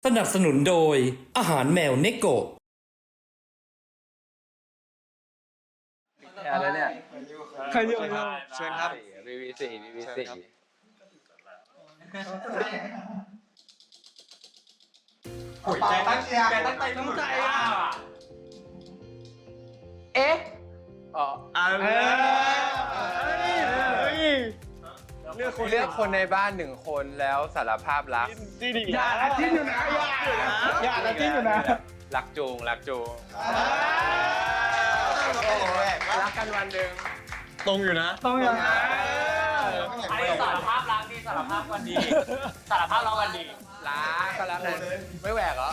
นับสนุนโดยอาหารแมวเนโกะอะไรเนี่ยใครเรียกเชิญครับ VV4 VV4 โอ้ยใจตั้งใจตั้งใจตั้งใจอ่ะเอ๊ะเลือกคนในบ้าน1 คนแล้วสารภาพรักอย่าละจิ้นอยู่นะอย่าละจิ้นอยู่นะรักจูงรักกันวันหนึ่งตรงอยู่นะไอ้สารภาพรักนี่สารภาพกันดีสารภาพเรากันดีรักก็รักกันไม่แหวกเหรอ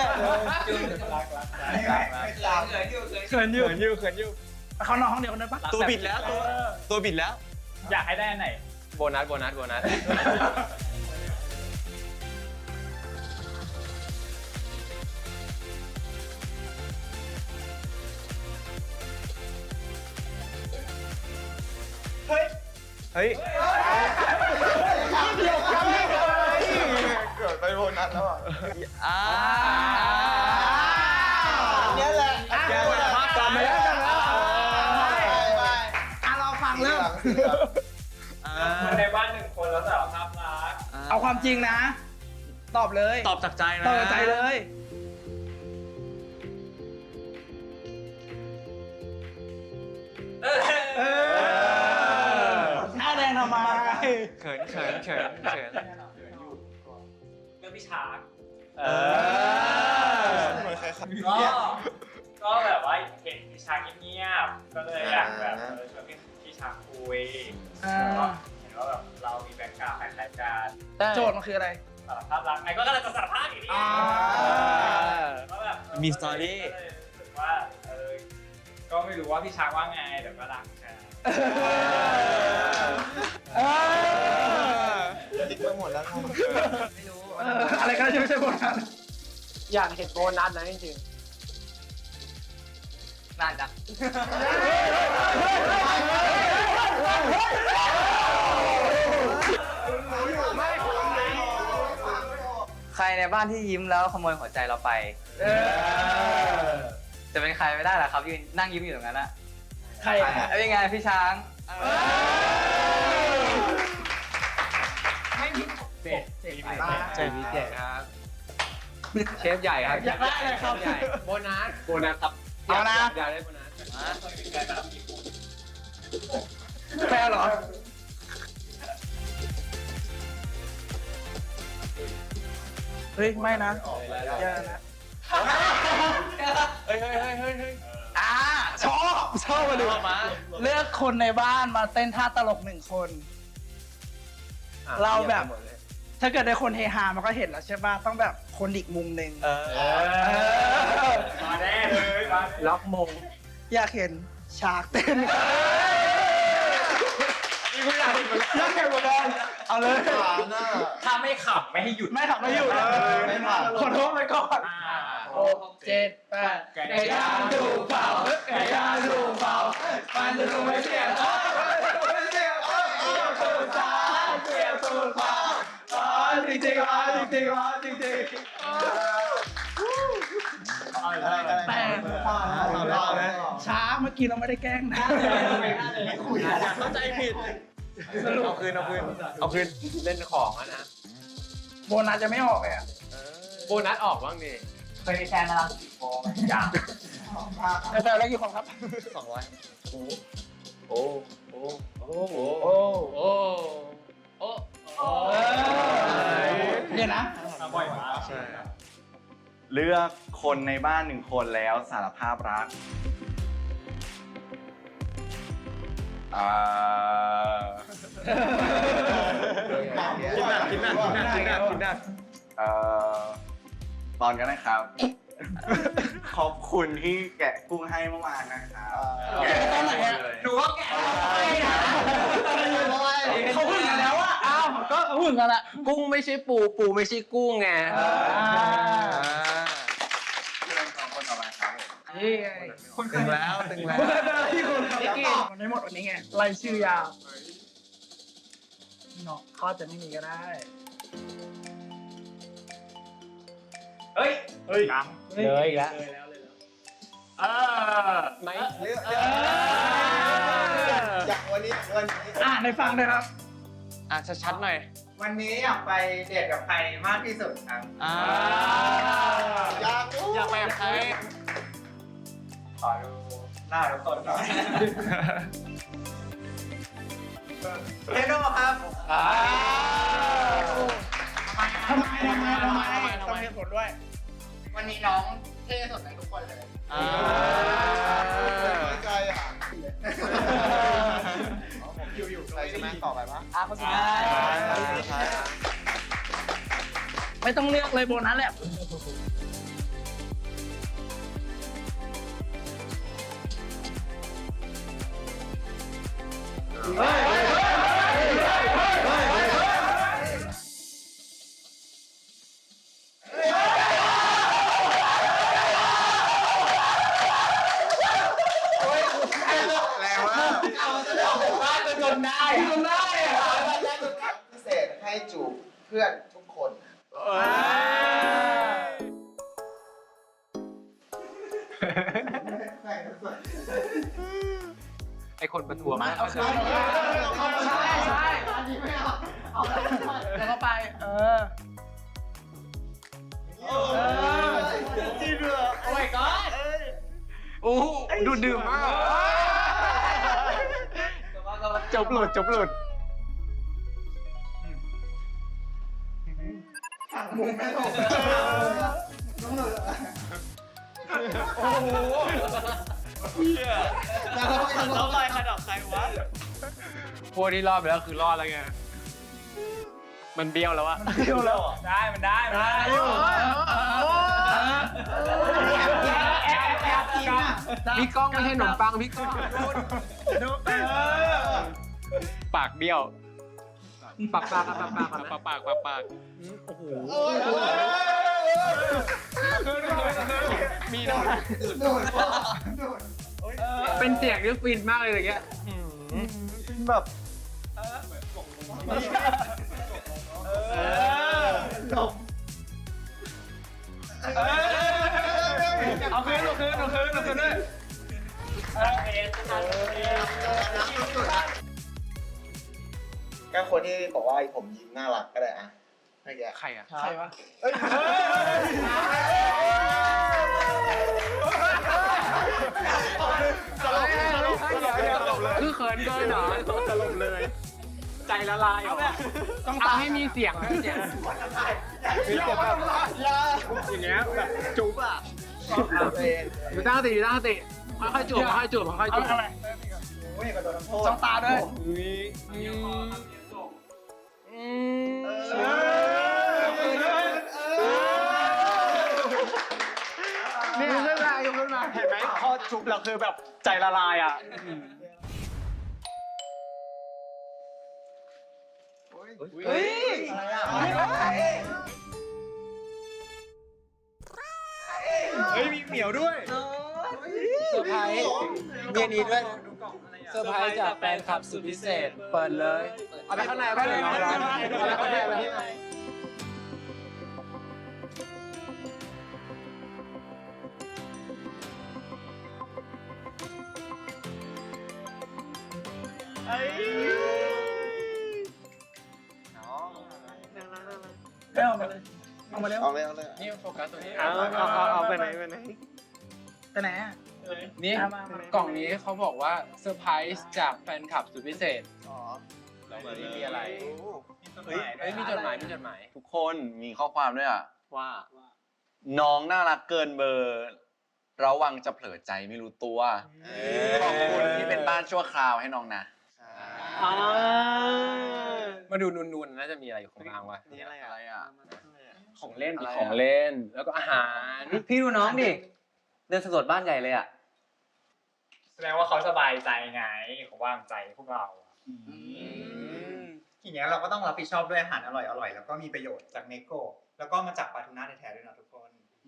เขินอยู่เขานอนห้องเดียวกันได้ปะตัวบิดแล้วตัวบิดแล้วอยากให้ได้อันไหนโบนัสเฮ้ยเกิดไปโบนัสแล้วอ่ะเนี่ยแหละกลับมาแล้วเราฟังเริ่มคนในบ้าน1 คนแล้วสารภาพรักเอาความจริงนะ ตอบเลยตอบจากใจนะตอบจากใจเลยหน้าแดงทำไมเขินเรื่องพี่ช้างก็แบบว่าเห็นพี่ช้างเงียบๆก็เลยอยากแบบชวนพี่ช้างคุยก็เห็นว่าแบบเรามีแบ็คกราวด์คล้ายๆกันโจทย์มันคืออะไรสารภาพรักไงก็กำลังจะสารภาพอยู่นี่ก็แบบมีสตอรี่ก็เลยรู้สึกว่าก็ไม่รู้ว่าพี่ช้างว่าไงเดี๋ยวก็รักกันติ๊กไปหมดแล้วไม่รู้อะไรก็ไม่ใช่บทนั้นอยากเห็นโบนัสนะจริงน่าจะใครในบ้านที่ยิ้มแล้วขโมยหัวใจเราไป จะเป็นใครไม่ได้ล่ะครับยืนนั่งยิ้มอยู่ตรงนั้นอะใครเป็นไงพี่ช้างเจ็ดๆเจมีเจ็ดครับ เชฟใหญ่ครับอยากได้เลยครับใหญ่โบนัสครับเอานะอยากได้โบนัสแฟนเหรอ เฮ้ย ไม่นะอย่านะเฮ้ยชอบมาดูเลือกคนในบ้านมาเต้นท่าตลก1 คน เราแบบ ถ้าเกิดได้คนเฮฮามันก็เห็นแล้วใช่ป่ะ ต้องแบบคนอีกมุมหนึ่งมาแน่เลยมาล็อกมงอยากเห็นฉากเต้นอยากเห็นเหมือนกันเอาเลยถ้าไม่ขับไม่ให้หยุดไม่ทำไม่อยู่นะขอโทษไปก่อน6 7 8ไก่ย่างถูกเผาไก่ย่างถูกเผามันจะถูกไม่เสียถูกจ้าเสียถูกเผาจริงแต่ช้าเมื่อกี้เราไม่ได้แกล้งนะเข้าใจผิดเอาคืนเล่นของอะนะโบนัสจะไม่ออกเลยอ่ะโบนัสออกบ้างดิเคยมีแฟนมาแล้วอย่างแต่แล้วกี่คนครับ 200 เดี๋ยวนะบ่อยมากใช่เลือกคนในบ้าน1 คนแล้วสารภาพรักคิดหนักตอนกันนะครับ ขอบคุณที่แกะกุ้งให้เมื่อวานนะครับแกะตอนไหนอะหนูก็แกะเขาหึงกันแล้วอะอ้าวก็หึงกันละกุ้งไม่ใช่ปูไม่ใช่กุ้งไงเชิญสองคนต่อไปครับผมนี่ไงตึงแล้วที่คุณทำมันไม่หมดวันนี้ไงไล่ชื่อยาวเนาะเขาจะไม่มีก็ได้เฮ้ยกเลยอีกแล้วไม่จากวันนี้ในฟังเลยครับชัดๆหน่อยวันนี้อยากไปเดทกับใครมากที่สุดครับอยากไปกับใครขอดูหน้าทุกคนหน่อยเทโน่ครับทำไมต้องเหตุผลด้วยวันนี้น้องเท่สุดในทุกคนเลยใจอ่ะผมอยู่ใครใช่ไหมต่อไปปะคนสุดท้ายไม่ต้องเลือกเลยโบนัสแหละแรงมากจนได้พิเศษให้จูบเพื่อนทุกคนไอคนประท้วงไม่เอาใช่แล้วก็ไปจริงเหรอโอ้ยก็โอ้ดูดื่มมากจบหลุดมุมไม่ถูกโอ้โหแล้วลอยขนาดใครวะพวกที่รอดไปแล้วคือรอดแล้วไง มันเบี้ยวแล้วอะเที่ยวแล้วได้มันได้พี่ก้องไม่ใช่ขนมปังพี่ก้องปากเบี้ยว ปากโอ้โหมีนะเป็นเสียงที่ฟินมากเลยอย่างเงี้ยฟินแบบจบเอาคืนด้วยก็คนที่บอกว่าผมยิ้มน่ารักก็ได้อะไม่แกใครอะใครวะคือเขินเกินเหรอตลบเลย ใจละลายเหรอต้องทำให้มีเสียงนะเสียงมีเสียงแบบอย่างเงี้ยแบบจุ๊บอ่ะอยู่ตั้งสติค่อยๆจูบค่อยๆจูบอะไรจ้องตาด้วยนี่ยขึ้นมาเห็นไหมพอจุ๊บแล้วคือแบบใจละลายอ่ะเฮ้ยเฮ้ยมีเหมียวด้วยเซอร์ไพรส์เมียนี้ด้วยเซอร์ไพรส์จากแฟนคลับสุดพิเศษ เปิดเลยเอาไปข้างในร้อนเอาไปข้างในเอามาเลยเอามาเร็วเอาเลยเอาเลยนี่โฟกัสตัวนี้เอาไปไหนไปไหนอ่ะนี่เอามากล่องนี้เขาบอกว่าเซอร์ไพรส์จากแฟนคลับสุดพิเศษอ๋อแล้วนี่มีอะไรเฮ้ยเฮ้ยมีจดหมายทุกคนมีข้อความด้วยอ่ะว่าน้องน่ารักเกินเบอร์ ระวังจะเผลอใจไม่รู้ตัว ขอบคุณที่เป็นบ้านชั่วคราวให้น้องนะมาดูนูนๆน่าจะมีอะไรอยู่ข้างล่างวะนี่อะไรอ่ะของเล่นอะไรอะของเล่นแล้วก็อาหารพี่ดูน้องดิ เดินสำรวจบ้านใหญ่เลยอ่ะแสดงว่าเขาสบายใจไงเขาวางใจพวกเราทีเนี้ยเราก็ต้องรับผิดชอบด้วยอาหารอร่อยๆ แล้วก็มีประโยชน์จากเนโก้แล้วก็มาจากปลาทูน่าแท้ๆด้วยนะทุกคน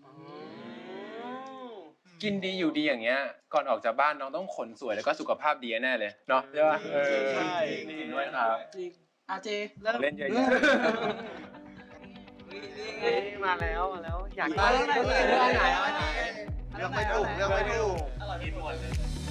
กินดีอยู่ดีอย่างเงี้ยก่อนออกจากบ้านน้องต้องขนสวยแล้วก็สุขภาพดีแน่เลยเนาะใช่ป่ะใช่จริงด้วยครับอาเจเริ่มเล่นเยอะมาแล้วอยากเรื่องไหนเรื่องไหนเลือกไม่ถูกเลือกไม่ถูกกินหมดเลย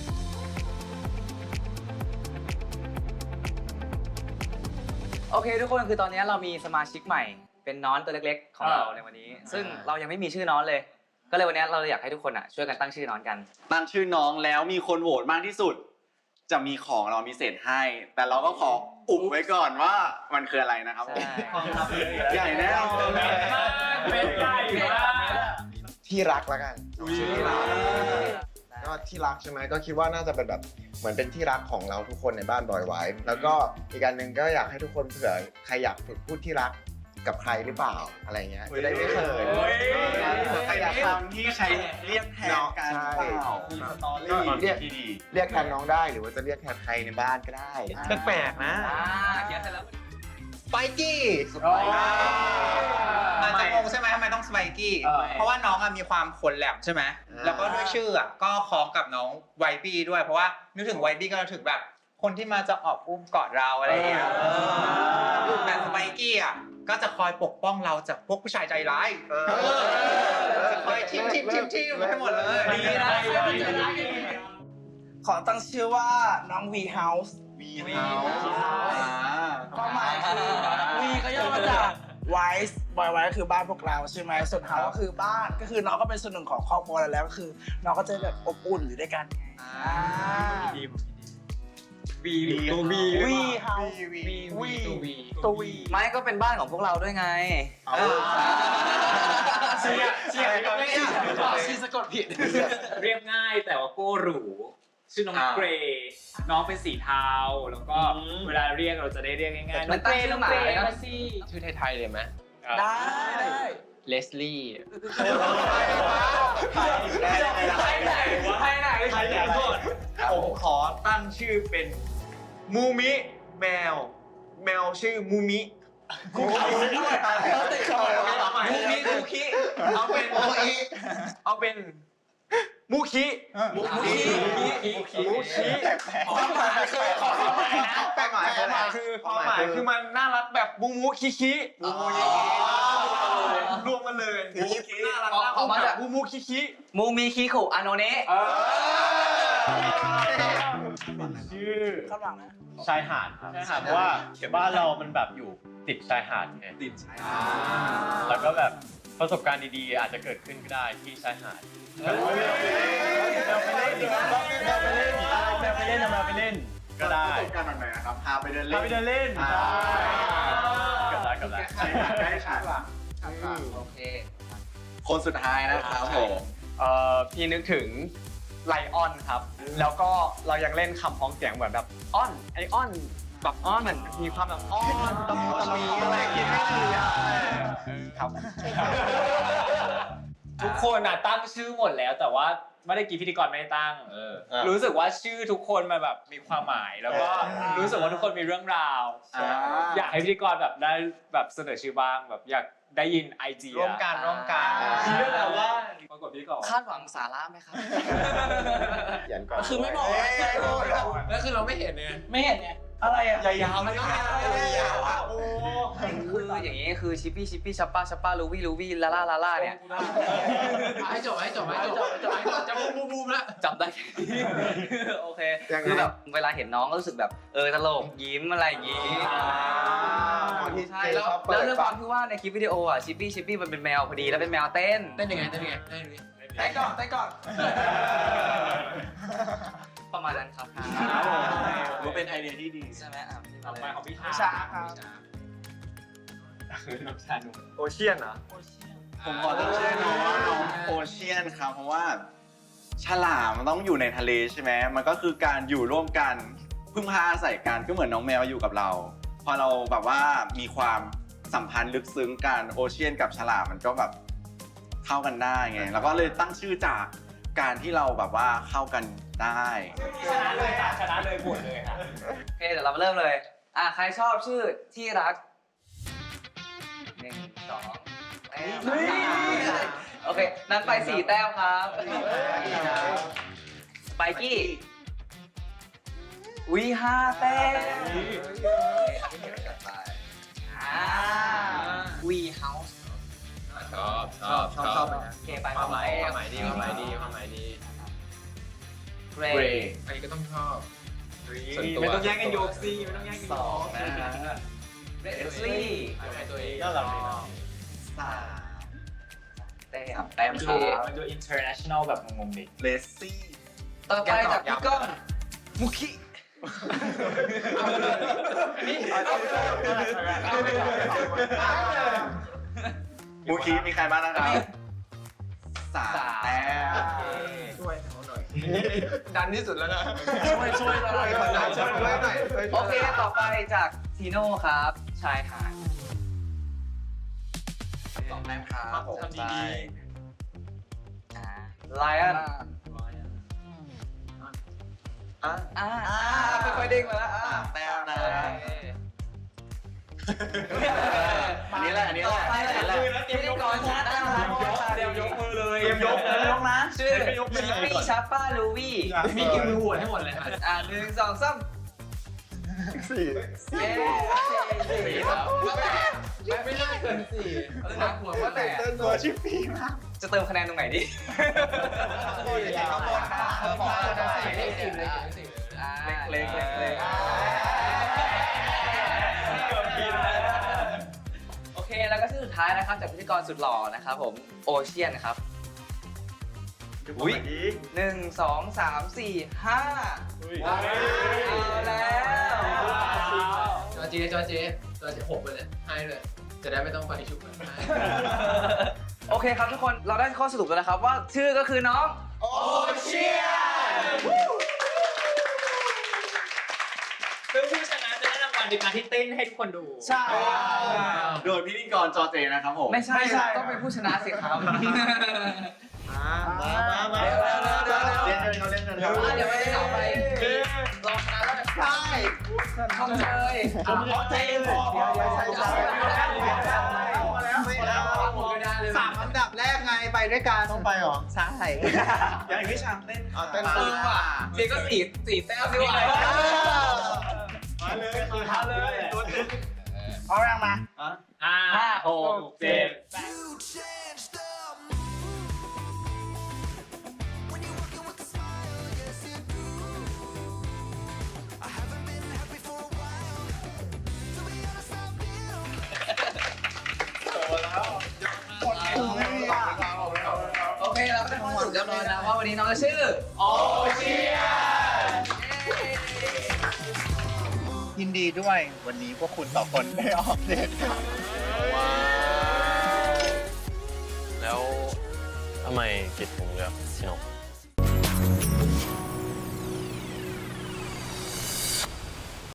โอเคทุกคนคือตอนนี้เรามีสมาชิกใหม่ เป็นน้อนตัวเล็กๆของเราในวันนี้ ซึ่งเรายังไม่มีชื่อน้อนเลย ก็เลยวันนี้เราอยากให้ทุกคนช่วยกันตั้งชื่อน้อนกันตั้งชื่อน้องแล้วมีคนโหวตมากที่สุด จะมีของเรามีเศษให้ แต่เราก็ขออุบไว้ก่อนว่ามันคืออะไรนะครับผมใช่ใหญ่แน่นอนเป็นใหญ่มากที่รักแล้วกันชื่อที่รักก็ที่รักใช่ไหมก็คิดว่าน่าจะเป็นแบบเหมือนเป็นที่รักของเราทุกคนในบ้านบอยไว้แล้วก็อีกการหนึ่งก็อยากให้ทุกคนเผื่อใครอยากฝึกพูดที่รักกับใครหรือเปล่าอะไรเงี้ยจะได้ไม่เขินใครอยากทำที่ใช้เรียกแทนกันเปล่าก็เรียกแทนน้องได้หรือว่าจะเรียกแทนใครในบ้านก็ได้แปลกๆนะเขียนเสร็จแล้วสไปกี้อาจจะงงใช่ไหมทำไมต้องสไปกี้ เพราะว่าน้องมีความขนแหลมใช่ไหมแล้วก็ด้วยชื่อก็คล้องกับน้องไวบี้ด้วย เพราะว่านึกถึงไวบี้ก็นึกถึงแบบคนที่มาจะออกอุ้มกอดเราอะไรอย่างเงี้ยแต่สไปกี้ก็จะคอยปกป้องเราจากพวกผู้ชายใจร้ายคอยทิมให้หมดเลยดีนะขอตั้งชื่อว่าน้อง V House ความหมายคือ V ก็ย่อมาจาก Wise บอยไว้ก็คือบ้านพวกเราใช่ไหมส่วน House ก็คือบ้านก็คือน้องก็เป็นส่วนหนึ่งของครอบครัวเราแล้วก็คือน้องก็จะแบบอบอุ่นอยู่ด้วยกันวีเฮาตัววีไม่ก็เป็นบ้านของพวกเราด้วยไงเชียร์ก็ไม่ชื่อสะกดผิดเรียบง่ายแต่ว่าโก้หรูชื่อน้องเกรย์น้องเป็นสีเทาแล้วก็เวลาเรียกเราจะได้เรียกง่ายๆมันตั้งชื่อหมาเลยนะชื่อไทยๆเลยไหมได้เลสลี่ผมขอตั้งชื่อเป็นมูมิแมวชื่อมูมิมูมิคูคิเอาเป็นมูคิความหมายคือความหมายคือมันน่ารักแบบมูคิคิรวมกันเลยน่ารักแบบมูคิคิมูมีคิคุอาโนเนะชื่อคาดหวังนะชายหาดครับเพราะว่าบ้านเรามันแบบอยู่ติดชายหาดไงติดใช้แล้วก็แบบประสบการณ์ดีๆอาจจะเกิดขึ้นก็ได้ที่ชายหาดเราไปเล่นก็ได้ประสบการณ์แบบไหนนะครับพาไปเดินเล่พาน ไปเดินเล่นกับได้ใช่ค่ะได้ค่ะโอเคคนสุดท้ายนะครับผมพี่นึกถึงไลออนครับ แล้วก็เรายังเล่นคำพ้องเสียงเหมือนแบบอ้อนไออ้อนแบบอ้อนเหมือนมีความแบบอ้อนตะมีอะไรกินไม่ดีครับทุกคนตั้งชื่อหมดแล้วแต่ว่าไม่ได้กี่พิธีกรไม่ได้ตั้งรู้สึกว่าชื่อทุกคนมันแบบมีความหมายแล้วก็รู้สึกว่าทุกคนมีเรื่องราวอยากให้พิธีกรแบบได้แบบเสนอชื่อบ้างแบบอยากได้ยินไอเดียร่วมกันเรื่องอะไรว่าปรากฏพิธีกรคาดหวังสาระไหมครับยันก่อนคือไม่บอกว่าจะโดนแล้วคือเราไม่เห็นเนี่ยไม่เห็นไงอะไรอ่ะยาวๆไม่ต้องยาวๆโอ้คืออย่างนี้คือชิปปี้ชัปป้าลูวี่ลาล่าเนี่ยให้จบจะบูมแล้วจำได้ โอเคคือแบบเวลาเห็นน้องก็รู้สึกแบบตลกยิ้มอะไรอย่างงี้ใช่แล้วด้วยความที่ว่าในคลิปวิดีโอชิปปี้มันเป็นแมวพอดีแล้วเป็นแมวเต้นเต้นยังไงเต้ก่อนประมาณนั้นครับว่าเป็นไอเดียที่ดีใช่ไหมต่อไปของพี่ชาครับน้องชาหนุ่มโอเชียนเหรอผมขอตั้งชื่อน้องว่าน้องโอเชียนครับเพราะว่าฉลามมันต้องอยู่ในทะเลใช่ไหมมันก็คือการอยู่ร่วมกันพึ่งพาอาศัยกันก็เหมือนน้องแมวอยู่กับเราพอเราแบบว่ามีความสัมพันธ์ลึกซึ้งกันโอเชียนกับฉลามมันก็แบบเข้ากันได้ไงแล้วก็เลยตั้งชื่อจากการที่เราแบบว่าเข้ากันได้ชนะเลยหมดเลยค่ะโอเคเดี๋ยวเรามาเริ่มเลยใครชอบชื่อที่รัก1 2โอเคนั้นไป4 แต้มครับไปกี้5 แต้มวีเฮาส์ชอบไปนะโอเคไปความหมายดีความหมายดีเรอันนี้ก็ต้องชอบไม่ต้องแย่งกันยกสิไม่ต้องแย่งกันสองนะเรสลี่ให้ตัวเองก็เราแต้มมันคดูรับมันดู international แบบงงๆดิเลซี่ต่อไปจากพี่ก้องมุคิมูคีมีใครบ้างนะครับสามแต้มช่วยเขาหน่อยดันที่สุดแล้วนะช่วยอะไรช่วยหน่อยช่วยหน่อยโอเคต่อไปจากทีโน่ครับชายหาด 2 แต้มครับทำดีไลออนค่อยๆเด้งมาแล้วแต้มนะอันนี้แหละอันนี้แหละต่อไปอันนี้แหละพิธีกรชนะได้แล้วเตรียมยกมือเลยเตรียมยกนะชื่อชิปปี้ชัปป้าลูวี่มีกินมือหัวให้หมดเลยครับ 1 2 3 สี่ 4 ครับไม่น่าเกิน4นับหัวว่าแต่ตัวชิปปี้มากจะเติมคะแนนตรงไหนดี เล็ก โอเคแล้วก็ชื่อสุดท้ายนะครับจากพิธีกรสุดหล่อนะครับผมโอเชียนครับอุ้ย1 2 3 4 5เอาแล้วจอเจ6ไปเลยให้เลย จะได้ไม่ต้องไปชุบกันโอเคครับทุกคนเราได้ข้อสรุปแล้วนะครับว่าชื่อก็คือน้องโอเชียนซึ่งผู้ชนะจะได้รางวัลในการที่เต้นให้ทุกคนดูใช่โดยพิธีกรจอเจนะครับผมไม่ใช่ต้องเป็นผู้ชนะสิครับมาเร็วเล่นกันเขาเล่นกันเดี๋ยวไปต่อไปลองชนะแล้วใช่ทำเลยเขาใจพอ 3 อันดับแรกไงไปด้วยกันต้องไปหรอใช่อย่างพี่ชามเต้นเต้นเออว่ะเจ๊ก็สี่แต้มดีกว่ามาเลยเอาแรงมา 5 6 7 โอเคเราก็ได้ข้อสรุปเรียบร้อยแล้วว่าวันนี้น้องจะชื่อโอเชียนยินดีด้วยวันนี้พวกคุณ2 คนได้ออกเดทแล้วทำไมกิจถึงเลือกพี่นก